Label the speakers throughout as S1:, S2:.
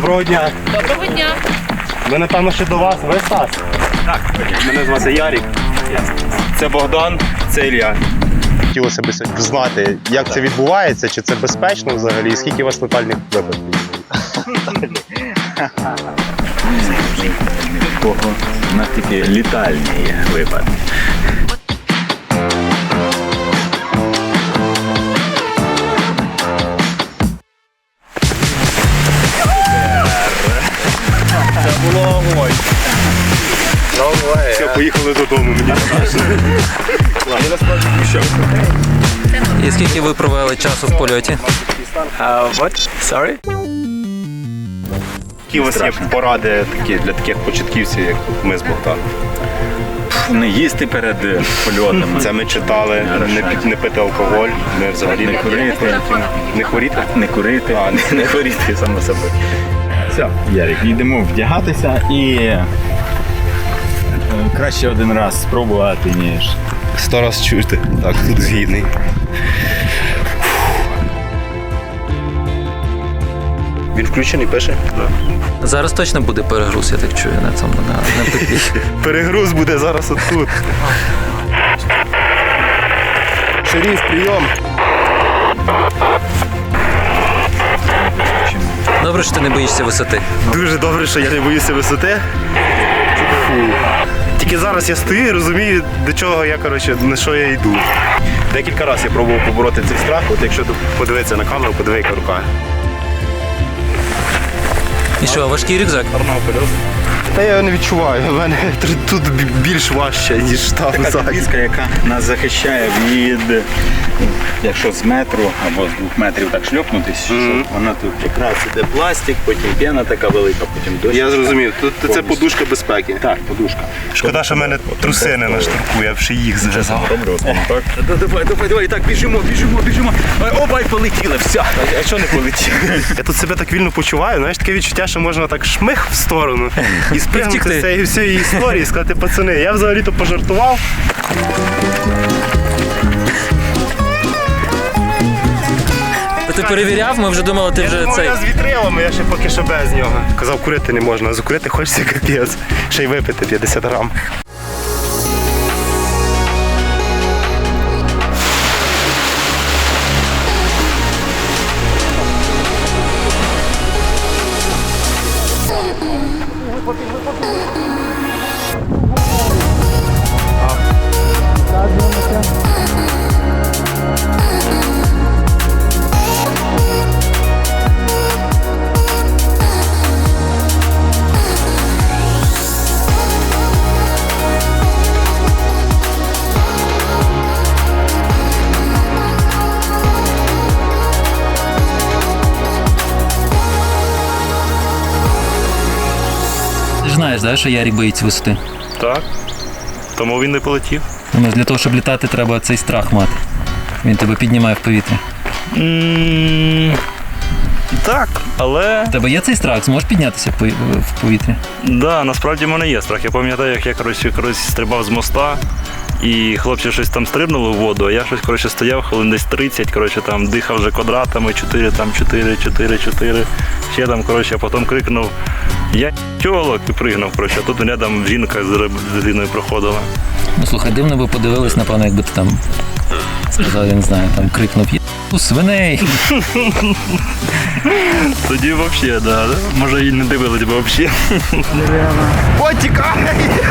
S1: Доброго дня.
S2: Доброго дня.
S1: Ми, напевно, ще до вас. Ви Стас?
S3: Так.
S1: Мене звати Ярик. Це Богдан, це Ілля. Хотілося б знати, як це відбувається, чи це безпечно взагалі, і скільки у вас летальних випадків?
S3: Кого у нас тільки літальні випадки.
S1: Це було огонь. Все, поїхали додому, мені страшно. Я насправді пущав.
S4: І скільки ви провели часу в польоті?
S3: What? Sorry?
S1: Які у вас є поради такі для таких початківців, як ми з Богданом?
S3: Не їсти перед польотом.
S1: Це ми читали, не пити алкоголь, ми взагалі
S3: Не курити.
S1: Не хворіти?
S3: Не курити. Не хворіти, само собою. Все, Ярик, йдемо вдягатися і краще один раз спробувати, ніж
S1: 100 раз чути. Так, тут згідний. Він включений, пише? Так.
S4: Зараз точно буде перегруз, я так чую, на цьому на петлі.
S1: Перегруз буде зараз отут. Шеріф, прийом.
S4: Добре, що ти не боїшся висоти.
S1: Дуже добре, що я не боюся висоти. Фу. Тільки зараз я стою і розумію, до чого я, на що я йду. Декілька разів я пробував побороти цей страх, от якщо подивитися на камеру, подиви, яка рука.
S4: І що, важкий рюкзак?
S1: Та я його не відчуваю, у мене тут більш важче, ніж там
S3: така
S1: ззаді.
S3: підвіска, яка нас захищає від, якщо з метру або з 2 метрів так шльопнутись, що вона тут якраз іде пластик, потім п'яна така велика, потім дощ.
S1: Я зрозумів, тут це подушка безпеки.
S3: Так, подушка.
S1: Шкода, що в мене труси не на штурку, я б ще їх зав'язав.
S3: Добре, так? Давай, так, біжимо. Опа, і полетіли, все.
S1: А що не полетів? Я тут себе так вільно почуваю, знаєш, таке відчуття, що можна так шмих в сторону і спрягнути з цієї всієї історії і сказати, пацани, я взагалі-то пожартував.
S4: Ти перевіряв? Ми вже думали, ти вже цей...
S1: Я з вітрилами, я ще поки що без нього. Казав, курити не можна, а закурити хочеться капець. Ще й випити 50 грам.
S4: Ти ж знаєш, да, що Ярик боїться висоти?
S1: Так. Тому він не полетів.
S4: Думаю, для того, щоб літати, треба цей страх мати. Він тебе піднімає в повітря.
S5: Так, але
S4: У тебе є цей страх? Зможеш піднятися в повітря?
S5: да, насправді в мене є страх. Я пам'ятаю, як я колись стрибав з моста, і хлопці щось там стрибнули в воду, а я щось стояв хвилин десь 30, там дихав вже квадратами, 4, 4, ще там, а потім крикнув: "Я тьолок!" і пригнув, а тут рядом жінка з дитиною проходила.
S4: Ну слухай, дивно би подивились, напевно, якби ти там сказав, я не знаю, там крикнув "У свиней!"
S5: Тоді взагалі, да. Може і не дивились би взагалі.
S1: Ой, тікай!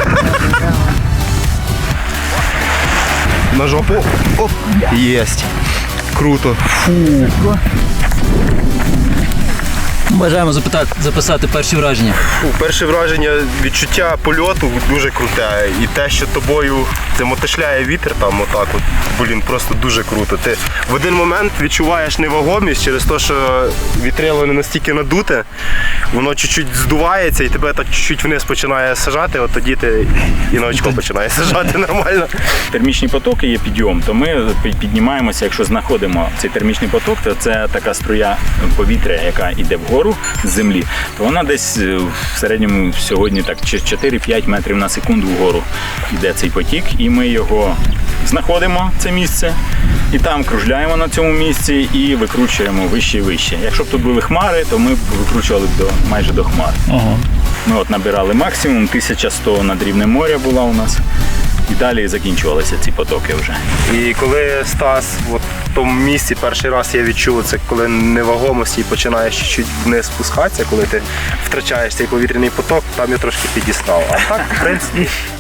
S1: На жопу. Оп. Єсть. Круто. Фу.
S4: Бажаємо записати перші враження.
S1: Перше враження, відчуття польоту дуже круте. І те, що тобою це мотишляє вітер там отак от, просто дуже круто. Ти в один момент відчуваєш невагомість через те, що вітрило не настільки надуте, воно чуть-чуть здувається і тебе так чуть-чуть вниз починає сажати, от тоді ти і на очко починає сажати нормально.
S3: Термічні потоки є підйом, то ми піднімаємося, якщо знаходимо цей термічний поток, то це така струя повітря, яка йде вгору. вгору з землі, то вона десь в середньому сьогодні так 4-5 метрів на секунду вгору йде цей потік, і ми його знаходимо, це місце, і там кружляємо на цьому місці і викручуємо вище і вище. Якщо б тут були хмари, то ми б викручували б майже до хмар.
S4: Ага.
S3: Ми от набирали максимум, 1100 над рівнем моря була у нас. І далі закінчувалися ці потоки вже.
S1: І коли Стас от в тому місці перший раз я відчув, це коли невагомості і починаєш чуть вниз спускатися, коли ти втрачаєш цей повітряний поток, там я трошки підістав. А так, в принципі,